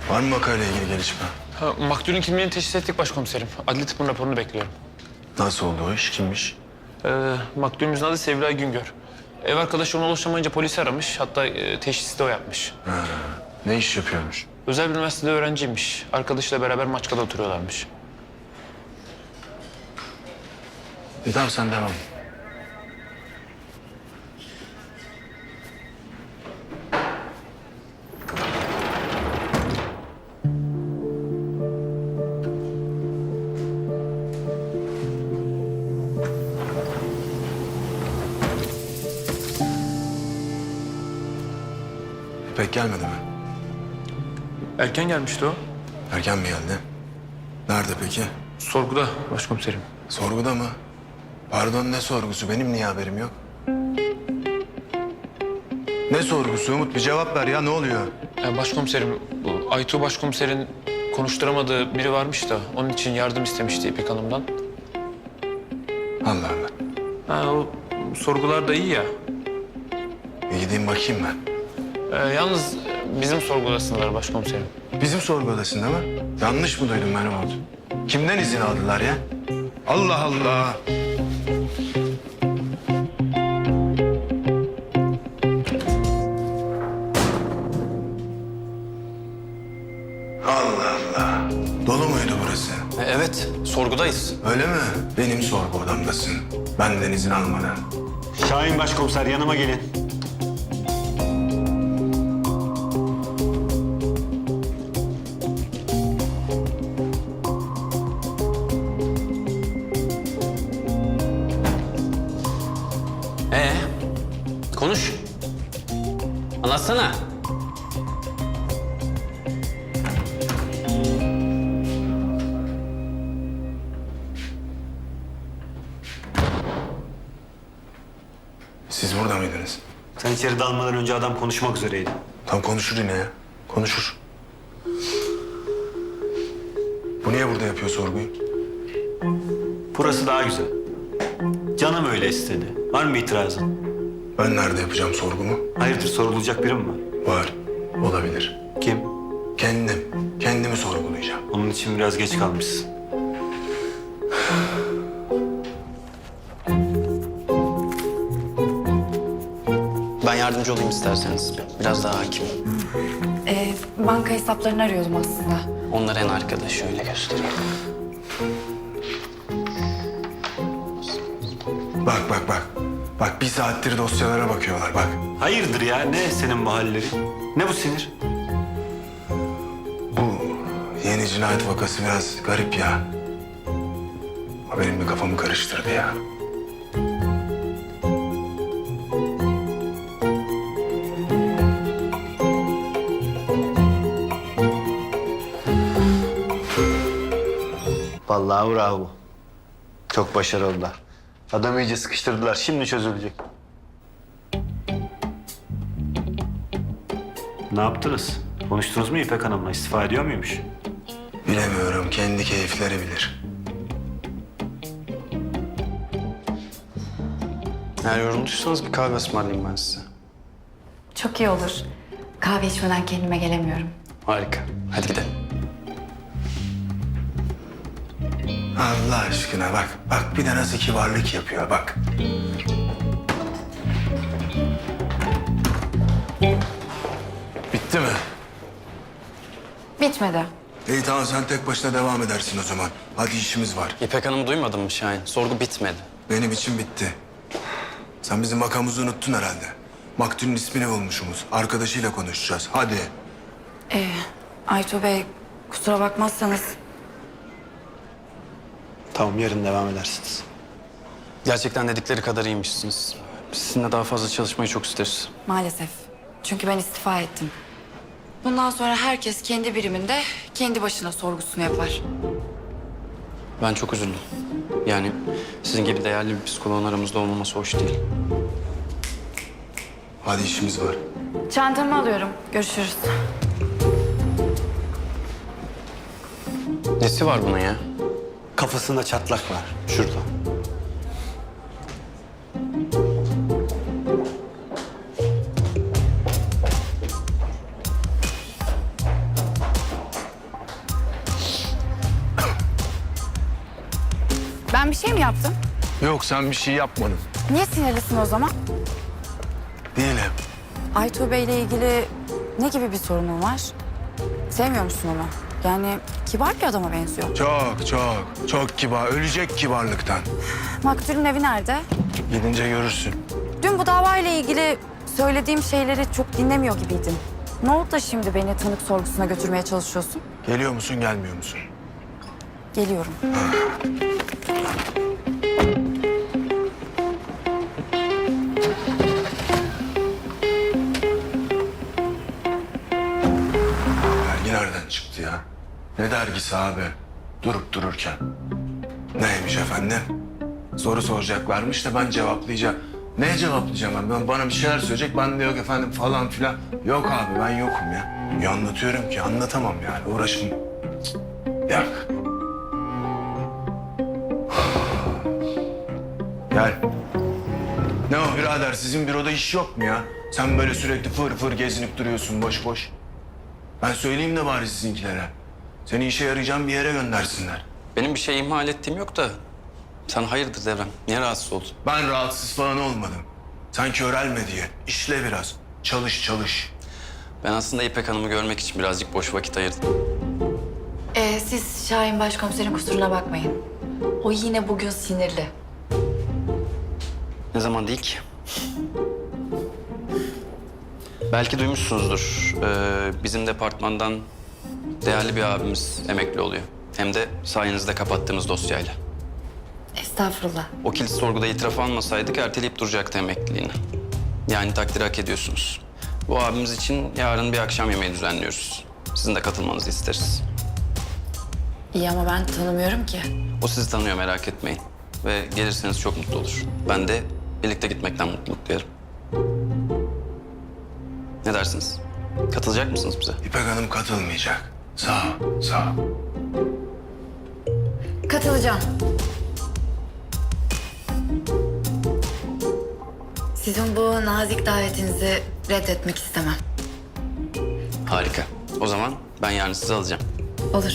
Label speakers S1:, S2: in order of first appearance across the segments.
S1: Var mı vakayla ilgili gelişme?
S2: Maktulün kimliğini teşhis ettik başkomiserim. Adli tıbbın raporunu bekliyorum.
S1: Nasıl oldu o iş? Kimmiş?
S2: Maktulümüzün adı Sevilay Güngör. Ev arkadaşı ona ulaşamayınca polisi aramış. Hatta teşhisi de o yapmış.
S1: Ne iş yapıyormuş?
S2: Özel bir üniversitede öğrenciymiş. Arkadaşıyla beraber Maçka'da oturuyorlarmış.
S1: Tamam sen devam. İpek gelmedi mi?
S2: Erken gelmişti o.
S1: Erken mi geldi? Nerede peki?
S2: Sorguda başkomiserim.
S1: Sorguda mı? Pardon, ne sorgusu? Benim niye haberim yok? Ne sorgusu Umut? Bir cevap ver ya, ne oluyor?
S2: Başkomiserim, bu Aytuğ başkomiserin konuşturamadığı biri varmış da... onun için yardım istemişti İpek Hanım'dan.
S1: Allah Allah.
S2: O sorgular da iyi ya.
S1: Bir gideyim bakayım ben.
S2: Yalnız bizim sorgudasınlar başkomiserim.
S1: Bizim sorgu odasında mı? Yanlış mı duydum ben Umut? Kimden izin aldılar ya? Allah Allah! Allah Allah! Dolu muydu burası?
S3: Evet, sorgudayız.
S1: Öyle mi? Benim sorgu odamdasın. Benden izin almadan.
S4: Şahin Başkomiser yanıma gelin.
S3: Konuş. Anlatsana.
S1: Siz burada mıydınız?
S4: Sen içeri dalmadan önce adam konuşmak üzereydi.
S1: Tam konuşur yine ya. Konuşur. Bu niye burada yapıyor sorguyu?
S4: Burası daha güzel. Canım öyle istedi. Var mı bir itirazın?
S1: Ben nerede yapacağım sorgumu?
S4: Hayırdır, sorulacak biri mi var?
S1: Var. Olabilir.
S4: Kim?
S1: Kendim. Kendimi sorgulayacağım.
S4: Onun için biraz geç kalmışsın.
S3: Ben yardımcı olayım isterseniz. Biraz daha hakim.
S5: Banka hesaplarını arıyordum aslında.
S3: Onlar en arkada. Şöyle göstereyim.
S1: Bak bak bak. Bak bir saattir dosyalara bakıyorlar bak.
S4: Hayırdır ya, ne senin bu halleri? Ne bu sinir?
S1: Bu yeni cinayet vakası biraz garip ya. O benim bir kafamı karıştırdı ya.
S4: Vallahi bravo. Çok başarılılar. Adamı iyice sıkıştırdılar. Şimdi çözülecek. Ne yaptınız? Konuştunuz mu İpek Hanım'la? İstifa ediyor muymuş?
S1: Bilemiyorum, kendi keyifleri bilir.
S3: Eğer yorulduysanız bir kahve ısmarlayayım ben size.
S5: Çok iyi olur. Kahve içmeden kendime gelemiyorum.
S3: Harika. Hadi gidelim.
S1: Allah aşkına bak. Bak bir de nasıl kibarlık yapıyor bak. Bitti mi?
S5: Bitmedi.
S1: İyi tamam, sen tek başına devam edersin o zaman. Hadi işimiz var.
S3: İpek Hanım'ı duymadın mı Şahin? Sorgu bitmedi.
S1: Benim için bitti. Sen bizim makamımızı unuttun herhalde. Maktulün ismini bulmuşumuz. Arkadaşıyla konuşacağız. Hadi.
S5: Aytuğ Bey, kusura bakmazsanız
S4: Tamam, yarın devam edersiniz.
S3: Gerçekten dedikleri kadar iyiymişsiniz. Sizinle daha fazla çalışmayı çok isteriz.
S5: maalesef. Çünkü ben istifa ettim. Bundan sonra herkes kendi biriminde kendi başına sorgusunu yapar.
S3: Ben çok üzüldüm. Yani sizin gibi değerli bir psikoloğun aramızda olmaması hoş değil.
S1: Hadi işimiz var.
S5: Çantamı alıyorum. Görüşürüz.
S3: Nesi var bunun ya?
S4: Kafasında çatlak var. Şurada.
S5: Ben bir şey mi yaptım?
S1: Yok, sen bir şey yapmadın.
S5: Niye sinirlisin o zaman?
S1: Değilim.
S5: Aytuğ Bey'le ilgili ne gibi bir sorunun var? Sevmiyor musun onu? Yani kibar bir adama benziyor.
S1: Çok kibar. Ölecek kibarlıktan.
S5: Maktul'ün evi nerede?
S1: Gidince görürsün.
S5: Dün bu davayla ilgili söylediğim şeyleri çok dinlemiyor gibiydin. Ne oldu da şimdi beni tanık sorgusuna götürmeye çalışıyorsun?
S1: Geliyor musun, gelmiyor musun?
S5: Geliyorum.
S1: Dergi nereden çıktı ya? Ne dergisi abi? Durup dururken. Neymiş efendim? Soru soracaklarmış da ben cevaplayacağım. Neye cevaplayacağım ben? Bana bir şeyler söyleyecek, ben de yok efendim falan filan. Yok abi, ben yokum ya. Ya anlatıyorum ki anlatamam yani. Uğraşım. Cık, yok. Gel. Ne o birader, sizin büroda iş yok mu ya? Sen böyle sürekli fır fır gezinip duruyorsun boş boş. Ben söyleyeyim de bari sizinkilere. Seni işe yarayacağım bir yere göndersinler.
S3: Benim bir şey ihmal ettiğim yok da sen hayırdır Devrem? Niye rahatsız oldun?
S1: Ben rahatsız falan olmadım. Sen körelme diye. İşle biraz. Çalış çalış.
S3: Ben aslında İpek Hanım'ı görmek için birazcık boş vakit ayırdım.
S5: Siz Şahin Başkomiserin kusuruna bakmayın. O yine bugün sinirli.
S3: Ne zaman değil ki? Belki duymuşsunuzdur. Bizim departmandan değerli bir abimiz emekli oluyor. Hem de sayenizde kapattığımız dosyayla.
S5: Estağfurullah.
S3: O kilit sorguda itiraf almasaydık erteleyip duracaktı emekliliğini. Yani takdir hak ediyorsunuz. Bu abimiz için yarın bir akşam yemeği düzenliyoruz. Sizin de katılmanızı isteriz.
S5: İyi ama ben tanımıyorum ki.
S3: O sizi tanıyor, merak etmeyin. Ve gelirseniz çok mutlu olur. Ben de birlikte gitmekten mutluluk duyarım. Ne dersiniz? Katılacak mısınız bize?
S1: İpek Hanım katılmayacak. Sağ ol, sağ ol.
S5: Katılacağım. Sizin bu nazik davetinizi reddetmek istemem.
S3: Harika. O zaman ben yarın sizi alacağım.
S5: Olur.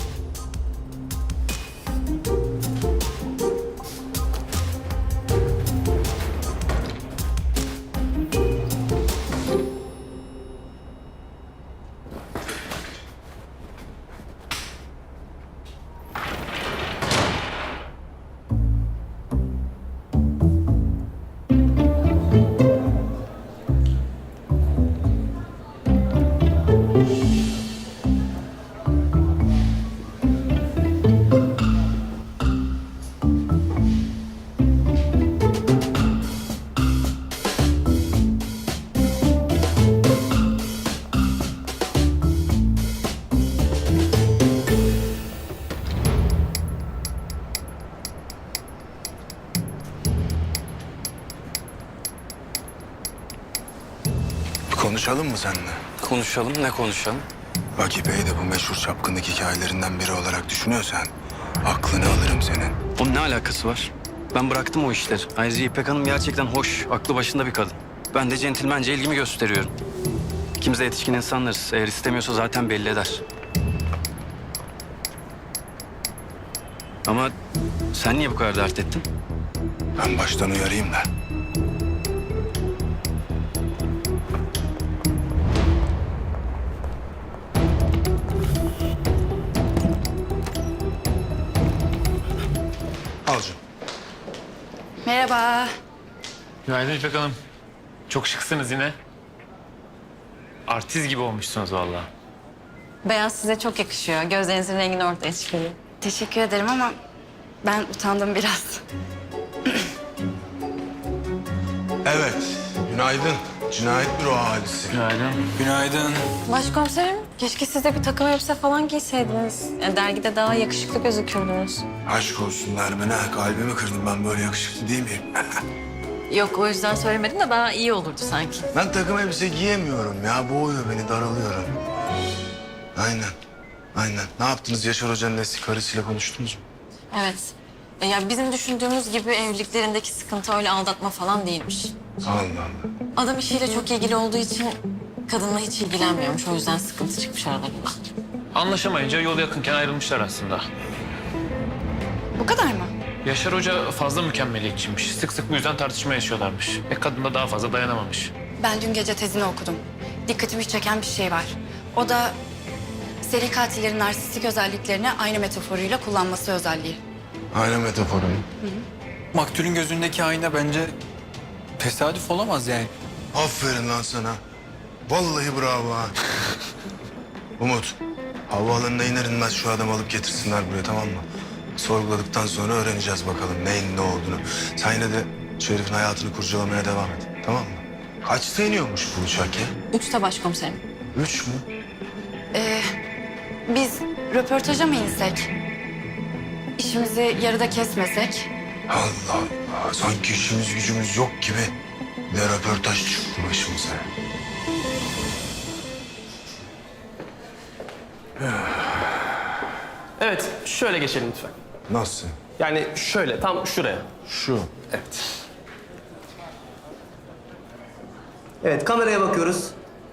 S1: Konuşalım mı seninle?
S3: Konuşalım, ne konuşalım?
S1: Bak İpek'i de bu meşhur çapkınlık hikayelerinden biri olarak düşünüyorsan aklını alırım senin.
S3: Onun ne alakası var? Ben bıraktım o işleri. Ayrıca İpek Hanım gerçekten hoş, aklı başında bir kadın. Ben de centilmence ilgimi gösteriyorum. İkimiz de yetişkin insanlarız. Eğer istemiyorsa zaten belli eder. Ama sen niye bu kadar dert ettin?
S1: Ben baştan uyarayım da. Al canım.
S5: Merhaba.
S2: Günaydın İpek Hanım. Çok şıksınız yine. Artist gibi olmuşsunuz vallahi.
S6: Beyaz size çok yakışıyor. Gözlerinizin rengini ortaya çıkarıyor.
S5: Teşekkür ederim ama ben utandım biraz.
S1: Evet, günaydın. Cinayet büro ahalisi.
S2: Günaydın.
S1: Günaydın.
S6: Başkomiserim, keşke siz de bir takım elbise falan giyseydiniz. Yani dergide daha yakışıklı gözükürdünüz.
S1: Aşk olsun Nermin'e. Kalbimi kırdım, ben böyle yakışıklı değil miyim?
S6: Yok, o yüzden söylemedim de daha iyi olurdu sanki.
S1: Ben takım elbise giyemiyorum ya. Boğuyor beni, daralıyorum. Aynen, aynen. Ne yaptınız? Yaşar Hoca'nın eski karısıyla konuştunuz mu?
S6: Evet. Ya bizim düşündüğümüz gibi evliliklerindeki sıkıntı öyle aldatma falan değilmiş.
S1: Allah Allah.
S6: Adam işiyle çok ilgili olduğu için kadınla hiç ilgilenmiyormuş. O yüzden sıkıntı çıkmış aralarında.
S2: Anlaşamayınca yol yakınken ayrılmışlar aslında.
S5: Bu kadar mı?
S2: Yaşar Hoca fazla mükemmeliyetçiymiş. Sık sık bu yüzden tartışma yaşıyorlarmış. Kadın da daha fazla dayanamamış.
S5: Ben dün gece tezini okudum. Dikkatimi çeken bir şey var. O da seri katillerin narsistik özelliklerini aynı metaforuyla kullanması özelliği.
S1: Aynen metaforu.
S7: Maktulün gözündeki ayna bence tesadüf olamaz yani.
S1: Aferin lan sana. Vallahi bravo ha. Umut, havaalanına iner inmez şu adamı alıp getirsinler buraya, tamam mı? Sorguladıktan sonra öğreneceğiz bakalım neyin ne olduğunu. Sen yine de şu herifin hayatını kurcalamaya devam et, tamam mı? Kaçta iniyormuş bu uçak ya?
S6: 3'te başkomiserim.
S1: 3 mü?
S5: Biz röportaja mı insek? İşimizi yarıda kesmesek?
S1: Allah Allah, sanki işimiz gücümüz yok gibi. Ne röportaj çıktı başımıza.
S8: Evet, şöyle geçelim lütfen.
S1: Nasıl?
S8: Yani şöyle, tam şuraya.
S1: Şu.
S8: Evet. Evet, kameraya bakıyoruz.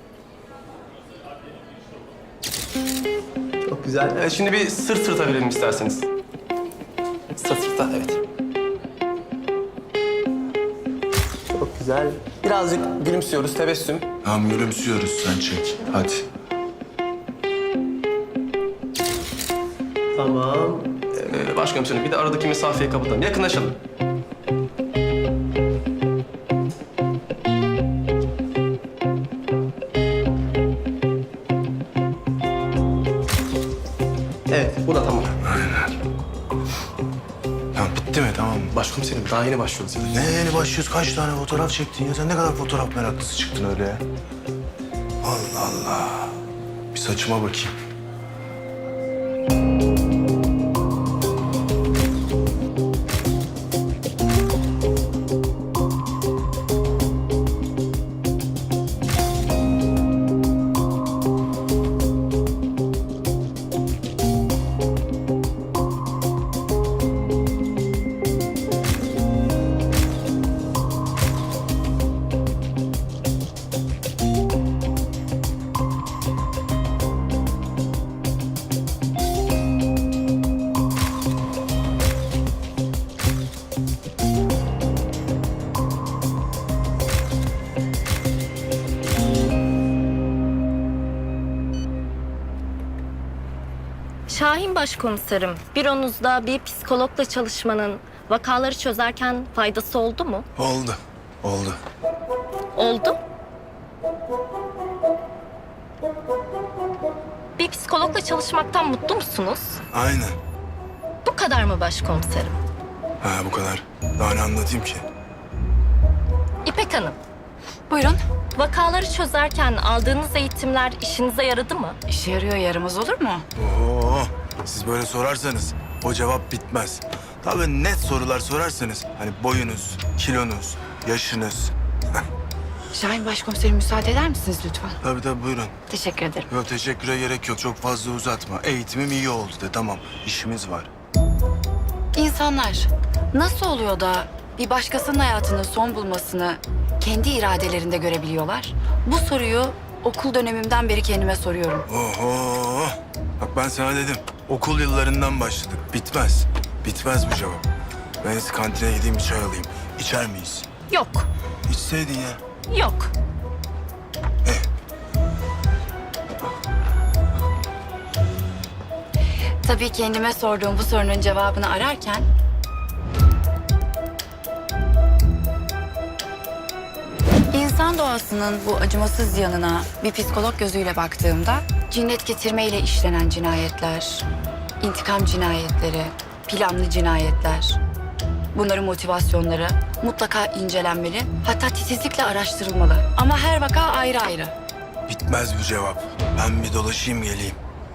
S8: Çok güzel. Evet, şimdi bir sırt sırta verelim isterseniz. Sırt sırta, evet. Çok güzel. Birazcık gülümsüyoruz, tebessüm.
S1: Tamam, gülümsüyoruz, sen çek. Hadi.
S8: Tamam. Başkomiserim, bir de aradaki mesafeyi kapatalım. Yakınlaşalım. Evet, bu da tamam.
S1: Tamam, bitti mi, tamam mı?
S8: Başkomiserim, daha yeni başlıyoruz.
S1: Ne yeni başlıyoruz? Kaç tane fotoğraf çektin ya? Sen ne kadar fotoğraf meraklısı çıktın öyle ya? Allah Allah. Bir saçıma bakayım.
S9: Şahin Başkomiserim, büronuzda bir psikologla çalışmanın vakaları çözerken faydası oldu mu?
S1: Oldu. Oldu.
S9: Oldu. Bir psikologla çalışmaktan mutlu musunuz?
S1: Aynen.
S9: Bu kadar mı başkomiserim?
S1: Ha, bu kadar. Daha ne anlatayım ki?
S9: İpek Hanım,
S5: Buyurun.
S9: vakaları çözerken aldığınız eğitimler işinize yaradı mı?
S5: İşe yarıyor, yaramaz olur mu?
S1: Oo, siz böyle sorarsanız o cevap bitmez. Tabii net sorular sorarsanız hani boyunuz, kilonuz, yaşınız.
S5: Şahin Başkomiserim, müsaade eder misiniz lütfen?
S1: Tabii buyurun.
S5: Teşekkür ederim.
S1: Yok, teşekküre gerek yok. Çok fazla uzatma. Eğitimim iyi oldu de, tamam. İşimiz var.
S5: İnsanlar nasıl oluyor da bir başkasının hayatının son bulmasını kendi iradelerinde görebiliyorlar? Bu soruyu okul dönemimden beri kendime soruyorum.
S1: Oho! Bak ben sana dedim. Okul yıllarından başladık. Bitmez. Bitmez bu cevap. Ben siz kantine gideyim, bir çay alayım. İçer miyiz?
S9: Yok,
S1: İçseydin ya.
S9: yok.
S5: Tabii kendime sorduğum bu sorunun cevabını ararken İnsan doğasının bu acımasız yanına bir psikolog gözüyle baktığımda cinnet getirmeyle işlenen cinayetler, intikam cinayetleri, planlı cinayetler, bunların motivasyonları mutlaka incelenmeli, hatta titizlikle araştırılmalı. Ama her vaka ayrı ayrı.
S1: Bitmez bu cevap. Ben bir dolaşayım geleyim.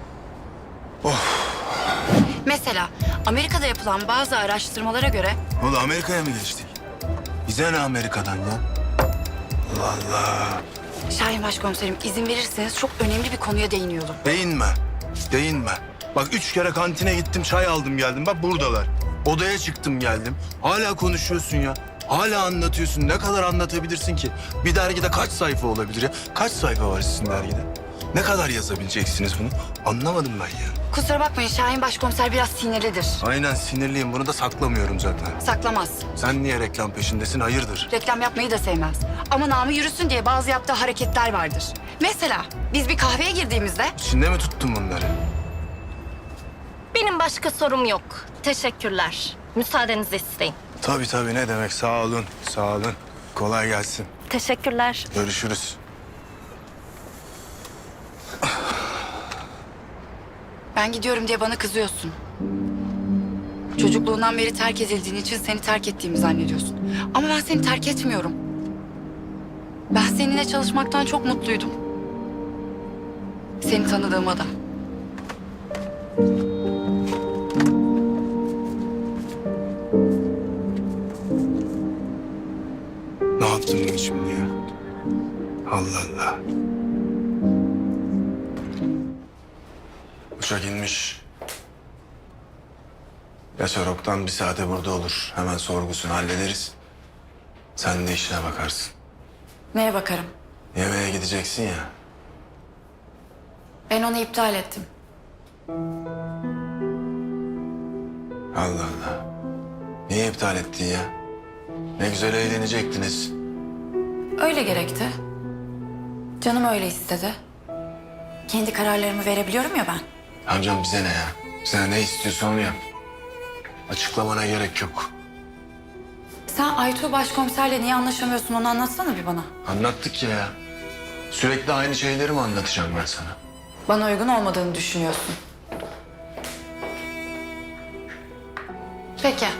S5: Mesela Amerika'da yapılan bazı araştırmalara göre
S1: Oğlum Amerika'ya mı geçtik? Bize ne Amerika'dan ya? Allah Allah.
S5: Şahin Başkomiserim, izin verirseniz çok önemli bir konuya değiniyorum.
S1: Değinme. Değinme. Bak 3 kere kantine gittim, çay aldım geldim. Bak buradalar. Odaya çıktım geldim. Hala konuşuyorsun ya. Hala anlatıyorsun. Ne kadar anlatabilirsin ki? Bir dergide kaç sayfa olabilir ya? Kaç sayfa var sizin dergide? Ne kadar yazabileceksiniz bunu? Anlamadım ben ya.
S5: Kusura bakmayın Şahin Başkomiser biraz sinirlidir.
S1: Aynen sinirliyim. Bunu da saklamıyorum zaten.
S5: Saklamaz.
S1: Sen niye reklam peşindesin? Hayırdır?
S5: Reklam yapmayı da sevmez. Ama namı yürüsün diye bazı yaptığı hareketler vardır. Mesela biz bir kahveye girdiğimizde
S1: İçinde mi tuttun bunları?
S9: Benim başka sorum yok. Teşekkürler. Müsaadenizi isteyin.
S1: Tabii tabii, ne demek. Sağ olun. Sağ olun. Kolay gelsin.
S9: Teşekkürler.
S1: Görüşürüz.
S5: ben gidiyorum diye bana kızıyorsun. Çocukluğundan beri terk edildiğin için seni terk ettiğimi zannediyorsun. Ama ben seni terk etmiyorum. Ben seninle çalışmaktan çok mutluydum. Seni tanıdığıma da.
S1: Ne yaptın bunu şimdi ya? Allah Allah. Uçak inmiş. Yaşar Oktan bir saate burada olur. Hemen sorgusunu hallederiz. Sen de işine bakarsın.
S5: Neye bakarım?
S1: Yemeğe gideceksin ya.
S5: Ben onu iptal ettim.
S1: Allah Allah. Niye iptal ettin ya? Ne güzel eğlenecektiniz.
S5: Öyle gerekti. Canım öyle istedi. Kendi kararlarımı verebiliyorum ya ben.
S1: Amcam bize ne ya? Sen ne istiyorsan onu yap. Açıklamana gerek yok.
S5: Sen Aytuğ Başkomiserle niye anlaşamıyorsun onu anlatsana bir bana.
S1: Anlattık ya. Sürekli aynı şeyleri mi anlatacağım ben sana?
S5: Bana uygun olmadığını düşünüyorsun. Peki.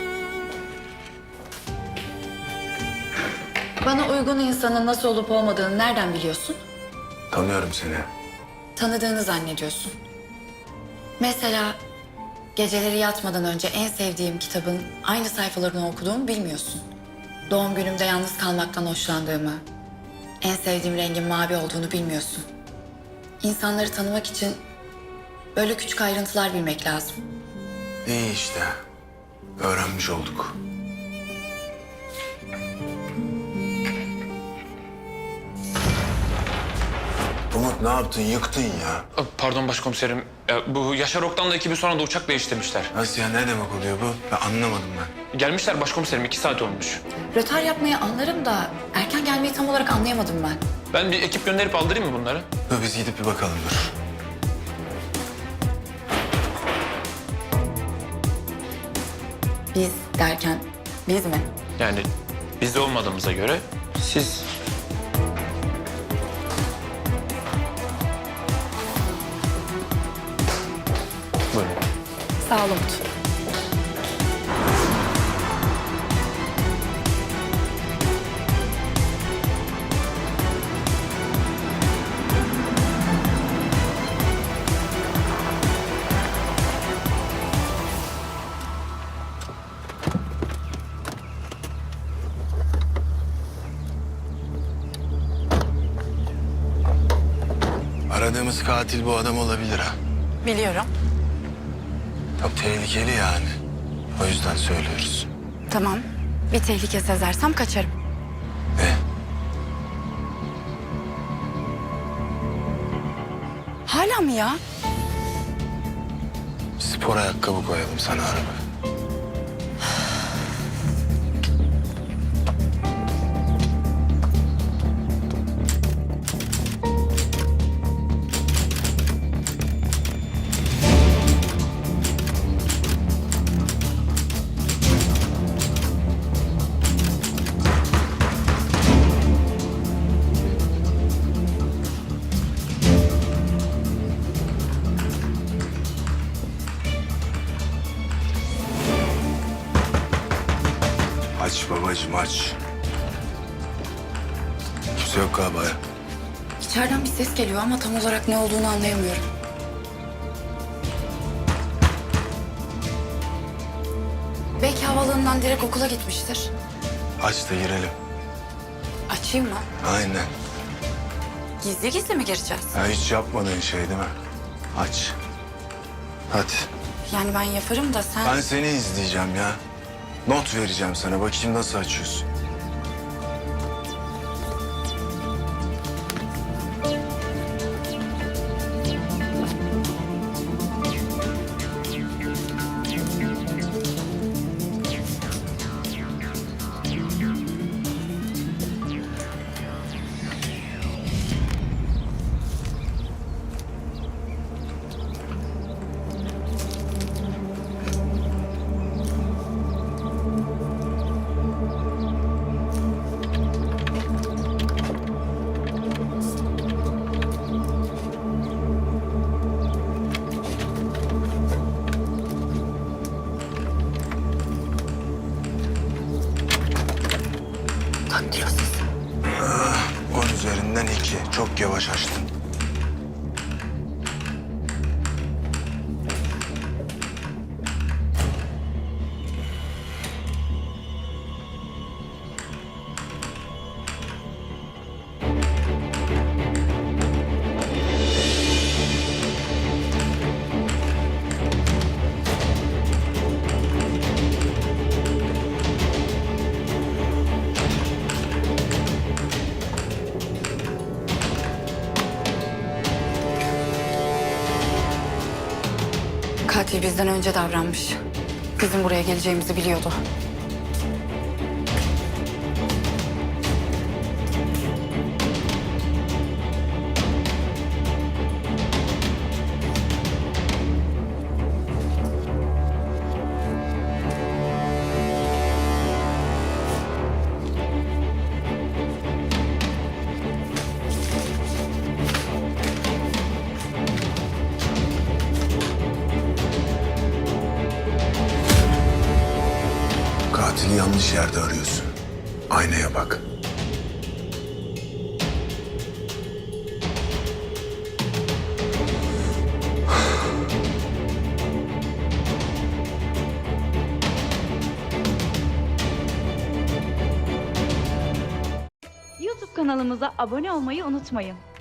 S5: Bana uygun insanın nasıl olup olmadığını nereden biliyorsun?
S1: Tanıyorum seni.
S5: Tanıdığını zannediyorsun. Mesela geceleri yatmadan önce en sevdiğim kitabın aynı sayfalarını okuduğumu bilmiyorsun. Doğum günümde yalnız kalmaktan hoşlandığımı, en sevdiğim rengin mavi olduğunu bilmiyorsun. İnsanları tanımak için böyle küçük ayrıntılar bilmek lazım.
S1: İyi işte. Öğrenmiş olduk. Umut ne yaptın? Yıktın ya.
S2: Pardon başkomiserim. Bu Yaşar Oktan'la ekibi sonra da uçak değiştirmişler.
S1: Nasıl ya? Ne demek oluyor bu? Ben anlamadım ben.
S2: Gelmişler başkomiserim. 2 saat olmuş.
S5: Rötar yapmayı anlarım da erken gelmeyi tam olarak anlayamadım ben.
S2: Ben bir ekip gönderip aldırayım mı bunları?
S1: Dur biz gidip bir bakalım dur.
S5: Biz derken biz mi?
S2: Yani biz de olmadığımıza göre siz... Buyurun.
S5: Sağ ol Umut.
S1: Aradığımız katil bu adam olabilir ha.
S5: Biliyorum.
S1: Çok tehlikeli yani. O yüzden söylüyoruz.
S5: Tamam. Bir tehlike sezersem kaçarım.
S1: Ne?
S5: Hala mı ya?
S1: Spor ayakkabı koyalım sana araba. Aç babacığım aç. Kimse yok galiba ya.
S5: İçeriden bir ses geliyor ama tam olarak ne olduğunu anlayamıyorum. Belki havaalanından direkt okula gitmiştir.
S1: Aç da girelim.
S5: Açayım mı?
S1: Aynen.
S5: Gizli gizli mi gireceğiz?
S1: Ya hiç yapmadığın şey değil mi? Aç. Hadi.
S5: Yani ben yaparım da sen...
S1: Ben seni izleyeceğim ya. Not vereceğim sana. Bakayım nasıl açıyorsun.
S5: Daktilosuz.
S1: 10 üzerinden 2. Çok yavaş açtın.
S5: Katil bizden önce davranmış. Bizim buraya geleceğimizi biliyordu.
S1: Katili yanlış yerde arıyorsun. Aynaya bak.
S10: YouTube kanalımıza abone olmayı unutmayın.